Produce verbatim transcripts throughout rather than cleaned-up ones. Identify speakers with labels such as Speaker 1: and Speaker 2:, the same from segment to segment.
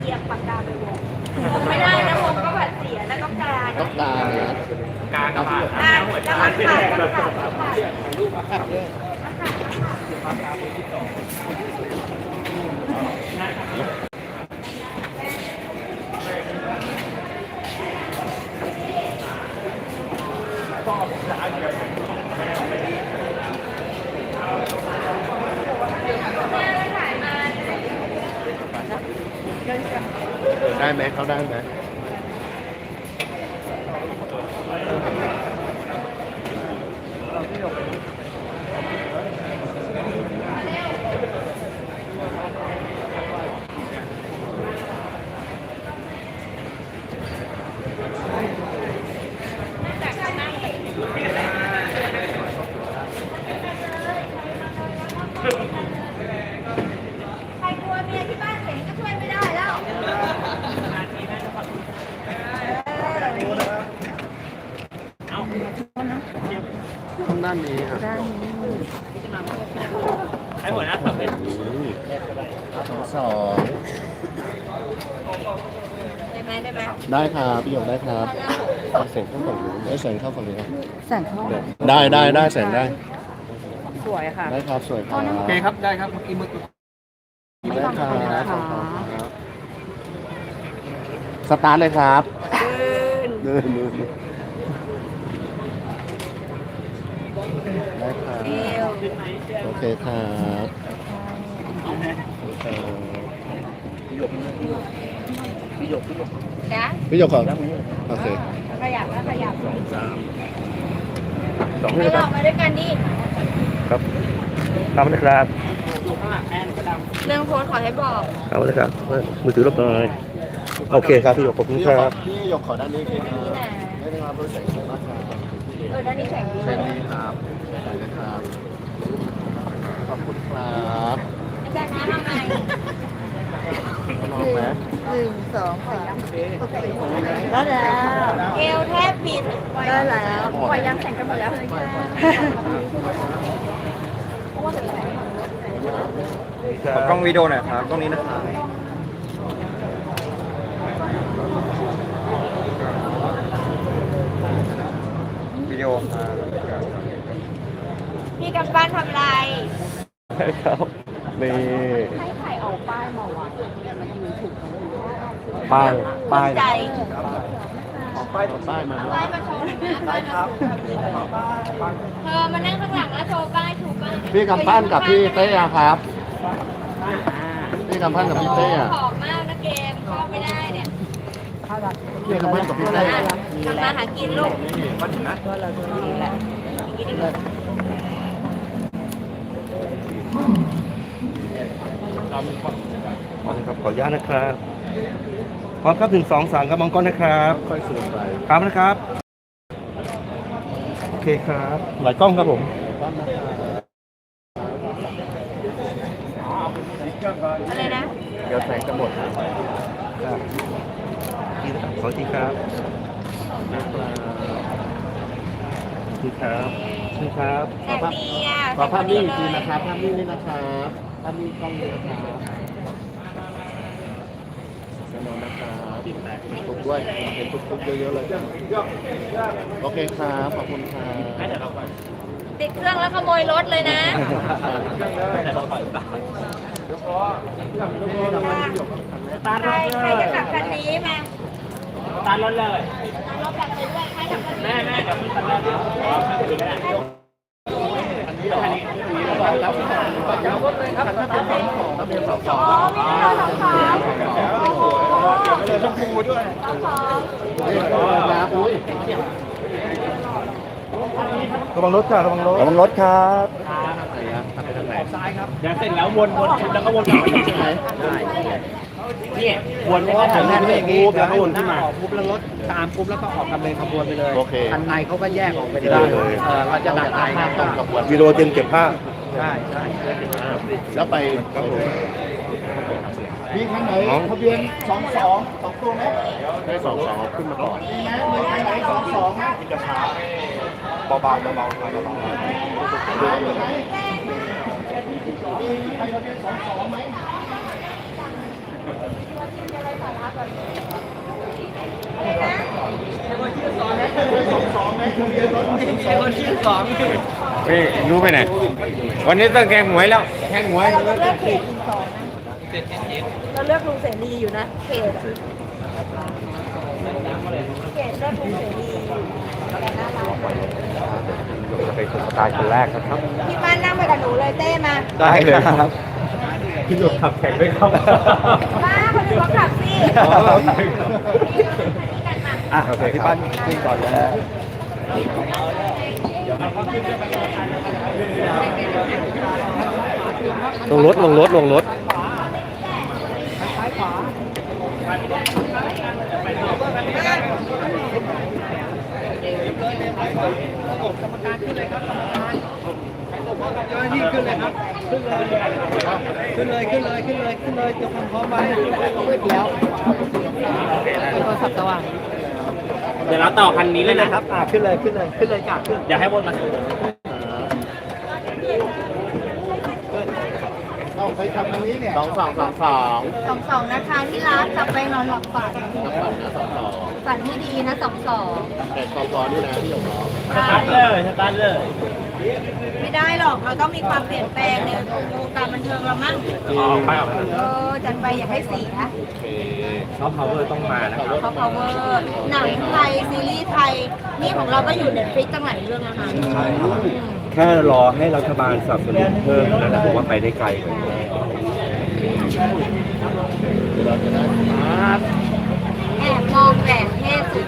Speaker 1: เกียบปากกาไปวงไม่ได้นะวงก็แบบเสียแล้วก็กา
Speaker 2: ต้องตานะ
Speaker 3: กากระบาด
Speaker 1: อ่าแล้วมันขาดมันขาดมันขาด
Speaker 2: รูปภาพด้วยได้ไหมเขาได้ไหม
Speaker 1: ใครกลัวเมียที่บ้านเห็นก็ช่วยไม่ได้แล้ว
Speaker 2: ข้างด้านนี้ครับ
Speaker 3: ให้หัวหน้าสับเป็น
Speaker 2: สองสอง
Speaker 1: ได้ไหมได้ไหม
Speaker 2: ได้ครับพี่หยกได้ครับแสงเข้าฝั่งนู้นได้แสงเข้าฝั่งนี้ครับ
Speaker 4: แสงเข้า
Speaker 2: ได้ได้ได้แสงได้
Speaker 4: สวยค่ะ
Speaker 2: ได้ครับสวยครับ
Speaker 3: โอเคครับได้ครับเมื่อกี้มือ
Speaker 2: ได้ครับสตาร์ทเลยครับเดินเดินได้ครับโอเคครับพี่หยกพี่หยกพี่หยก
Speaker 1: นะ
Speaker 2: พี่หยกก่อนโอเค
Speaker 1: ขยับแล้วขยับ
Speaker 2: สองสามสอง
Speaker 1: ไม่หลอกมาด้วยกันดิ
Speaker 2: ครับทำเลยครับ
Speaker 1: เรื่องโพสขอให้บอก
Speaker 2: เอาเลยครับมือถือรบหน่อยโอเคครับพี่หยกขอบคุณครับพี่หยกขอด้านนี้ครับได้ไหมครับรู้สึกมากครับ
Speaker 1: เออด้านนี้แข็งดี
Speaker 2: แข็งดีครับใส่เลยครับขอบคุณครับ
Speaker 1: อาจารย์นะทำไง
Speaker 2: ลองไหม
Speaker 4: หนึ่งสองสามได้แล้ว
Speaker 1: เอวแทบปิด
Speaker 4: ได้แล้ว
Speaker 1: ปล่อยยังแข่งกันหมดแล้ว
Speaker 3: กล้องวิดีโอหน่อยครับกล้องนี้นะครับวิดีโอครับ
Speaker 1: พี่กำปั้นทำไร
Speaker 2: ใช่ครับนี่
Speaker 1: ให้ไข่เอาป้ายมาวะ
Speaker 2: ป้ายป้าย
Speaker 1: ใจ
Speaker 2: ป้ายป้ายมา
Speaker 1: ป้ายมาโชว์ป้ายครับเธอมานั่งข้างหลังแล้วโชว์ป้ายถูกป้าย
Speaker 2: พี่กำปั้นกับพี่เต้ครับพี่กำปั้นกับพี่เต้
Speaker 1: หอมมากนะเกมเข้าไม่ได้เนี่ย
Speaker 2: พี่กำปั้นกับพี่เต้
Speaker 1: ทำมาหากินลูก
Speaker 3: ครับขออนุญาตนะครับพร้อมครับหนึ่งสองสามครับมองก้อนนะครับ
Speaker 2: ค่อยสูงไป
Speaker 3: ครับนะครับโอเคครับหลายกล้องครับผม
Speaker 1: อะไรนะ
Speaker 2: เดี๋ยวแสงจะหมดครับ
Speaker 3: ขอทีครับทีครับทีครับ
Speaker 1: แสงดีอ่ะ
Speaker 2: ขอภาพนิ่งอีกทีนะครับภาพนิ่งนี่นะครับภาพนิ่งกล้องนี้นะครับแน่นอนนะครับทุกด้วยเห็นทุกๆเยอะๆเลยโอเคครับขอบคุณครับ
Speaker 1: ติดเครื่องแล้วขโมยรถเลยนะใครใครจะขับคันนี้มา
Speaker 3: ตารถเลย
Speaker 1: ตารถแบบไปด้วยใครขับคันนี้
Speaker 3: แม่แม่กับพี่ตันแล้ว
Speaker 1: อ๋อมีเรื่องของเขาโอ้โห
Speaker 3: ชมพูด้วยระวังรถค่ะระวังรถ
Speaker 2: ระวังรถครับ
Speaker 3: ซ้ายครับเดี๋ยวเสร็จแล้ววนวนแล้วก็วนกลับมาใช่ไหมได้นี่วนแล้วก็ถ่ายรูปอย่างนี้แล้วก็วนขึ้นมาปุ๊บแล้วรถตามปุ๊บแล้วก็ออกกันเป็นขบวนไปเลยคันในเขาก็แยกออกไปเลยเออเราจะดักในก็
Speaker 2: วิดีโอเตรียมเก็บภาพ
Speaker 3: ใช่ใช่
Speaker 2: แล้วไปมีข้างไหนทะเบียนสองสองสองตัวไหมได้สองสองขึ้นมาก่อนมีไหมมีข้างไหนสองสองไหมจะช้าเบาๆเบาๆเบาๆเบาๆมีใครทะเบียนสองสองไหม
Speaker 5: เฮ้ยรู้ไปไหนวันนี้ต้องแข่งหวยแล้วแข่งหวย
Speaker 4: เราเลือกเขตสองนะเราเลือกลุงเสรีอยู่นะเขตอะเขตเลือกลุงเสรีอยู่แต่น่ารัก
Speaker 5: จะไปสุดตายคนแรกนะครับ
Speaker 4: พี่มันนั่งไปกับหนูเลยเต้มา
Speaker 5: ได้เลยครับพี่หลุดขับแข่งด้วยครับ
Speaker 4: มาคนอื่นเขาขับสิ
Speaker 5: อ่ะโอเคพี่ปั้นขึ้นก่อนแล้วลงรถลงรถลงรถ
Speaker 3: นี่ขึ้นเลยครับขึ้นเลยขึ้นเลยขึ้นเลยขึ้นเลยขึ้นเลยเตรียมความพร้อมไว้แล้วโทรศัพท์สว่าง
Speaker 6: เดี๋ยวเราต่อคันนี้เลยนะครับ
Speaker 3: อ่าขึ้นเลยขึ้นเลยขึ้นเลยกาขึ้น
Speaker 6: อย่าให้วนมา
Speaker 2: เอาใครทำตรงนี้เนี่ย
Speaker 5: สองสองสองสอง
Speaker 4: สองสองนะคะที่รักจับไปนอนหลับฝันฝันที่ดีนะสองสอง
Speaker 5: แต่สองสองนี่นะพี่หยกน้อง
Speaker 6: สตาร์ทเลยสตาร์ทเลย
Speaker 4: ไม่ได้หรอกเราต้องมีความเปลี่ยนแปลงในวงการบันเทิงเรามั่ง
Speaker 6: ออกไปออกไป
Speaker 4: เออจัดไปอย่าให้เสีย
Speaker 6: ซอฟต์พาวเวอร์ต้องมานะครับ
Speaker 4: เขา power หนังไทยซีรีส์ไทยนี่ของเราก็อยู่เน็ตฟลิกตั้งหลายเรื่องนะคะ
Speaker 5: แค่รอให้รัฐบาลสนับสนุนเพิ่มแล้วนะผมว่าไปได้ไกลกว่านี้
Speaker 4: แอบมองแบบเท่สุด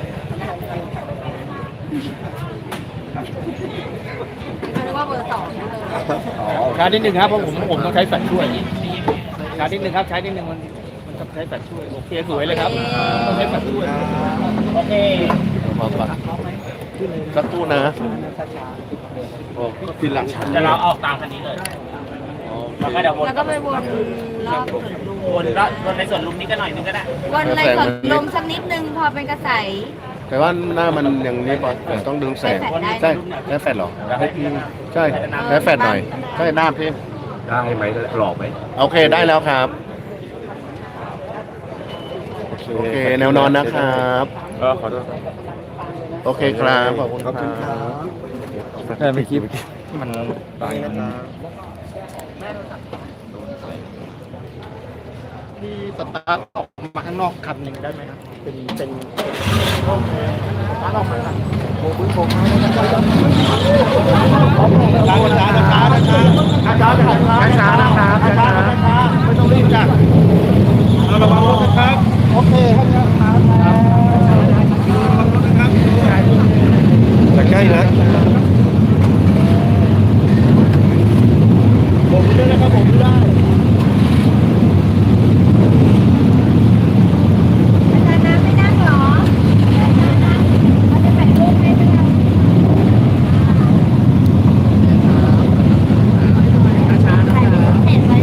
Speaker 4: เขาเรียกว่าเบอร์สองนะเลย
Speaker 3: ช้านิดนึงครับเพราะผมผมต้องใช้แฟลชช่วยช้านิดนึงครับใช้นิดนึงมันมันต้องใช้แฟลชช่วยโอเคสวยเลยครับต้องใช้แฟลชช่วยโอเค
Speaker 5: พอก่อนสักตู้นะโอ้ทีหลัง
Speaker 6: เดี๋ยวเราออกตามคันนี้เลยแล้วก็เดี๋ยววน
Speaker 4: แล้วก็ไปวนรอบสวนลุม
Speaker 6: วนรอบวนในส่วนลุมนี้ก็หน่อยนึงก็ได้
Speaker 4: วนในสวนลมสักนิดนึงพอเป็นกระแส
Speaker 5: แต่ว่าหน้ามันอย่างนี้ป่ะแต่ต้องดึงแสง
Speaker 4: ใช่
Speaker 5: ใช่แฟดหรอใช่แล้วแฟดหน่อยใช่หน้าพี่ได้ไหมหลอกไหมโอเคได้แล้วครับโอเคแนวนอนนะครับเออขอโทษโอเคครับขอบคุณครับแค่ไม่คิดมันตาย
Speaker 3: มีสตาร์ทออกมาข้างนอกคันหนึ่งได้ไหมครับเป็นเป็นสตาร์ทออกมาโอ้โหโอ้โหช้าช้าช้าช้าช้าช้าช้าช้านะครับช้าช้าไม่ต้องรีบจ้ะระวังรถนะครับโอเคครับจะใกล้แล้วผมไม่ได้นะครับผมไม่ได้
Speaker 4: อาจารย์น้ำไม่นั่งเหรอเขาจะถ่ายรูปให้ไหมคะถ่ายรูปเสร็จไหม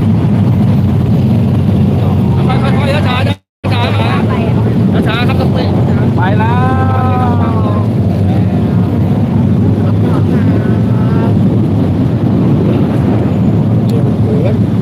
Speaker 3: ค่อยๆช้าๆช้าๆช้า
Speaker 4: ไปอ่ะ
Speaker 3: ๆช้าๆครับต้องไปแล้ว
Speaker 4: เ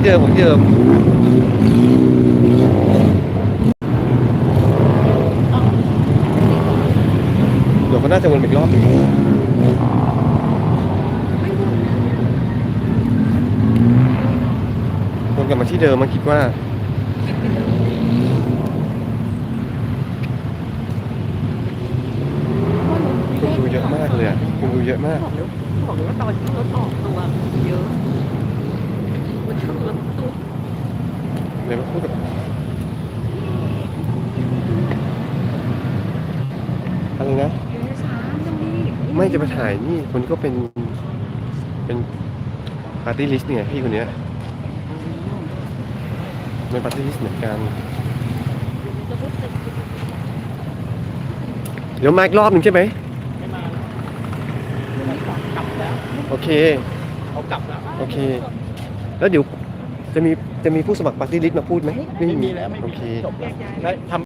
Speaker 5: ที่เดิมของที่เดิมเดี๋ยวเขาน่าจะวนอีกรอบหนึงวนกลับมาที่เดิมมาคิดว่าคนดูเยอะมากเลยอ่ะคนดูเยอะมาก
Speaker 7: บอกเลยว่าตอนที่รถออกตัวเยอะมันชนรถตู้
Speaker 5: เดี๋ยวมาพูดกับอะไรนะ
Speaker 7: ช้าจังดิ
Speaker 5: ไม่จะมาถ่ายนี่คนก็เป็นเป็นปาร์ตี้ลิสต์เนี่ยพี่คนเนี้ยเป็นปาร์ตี้ลิสต์เหมือนกันเดี๋ยวมาอีกรอบหนึ่งใช่ไหมโอเค
Speaker 3: เขากลับแล้ว
Speaker 5: โอเค แล้วเดี๋ยวจะมีจะมีผู้สมัครปาร์ตี้ลิสต์มาพูดไหมไม่มี
Speaker 3: แล้วไม่
Speaker 5: โอ
Speaker 3: มี
Speaker 5: เค
Speaker 3: จบแล้วแล้วทำ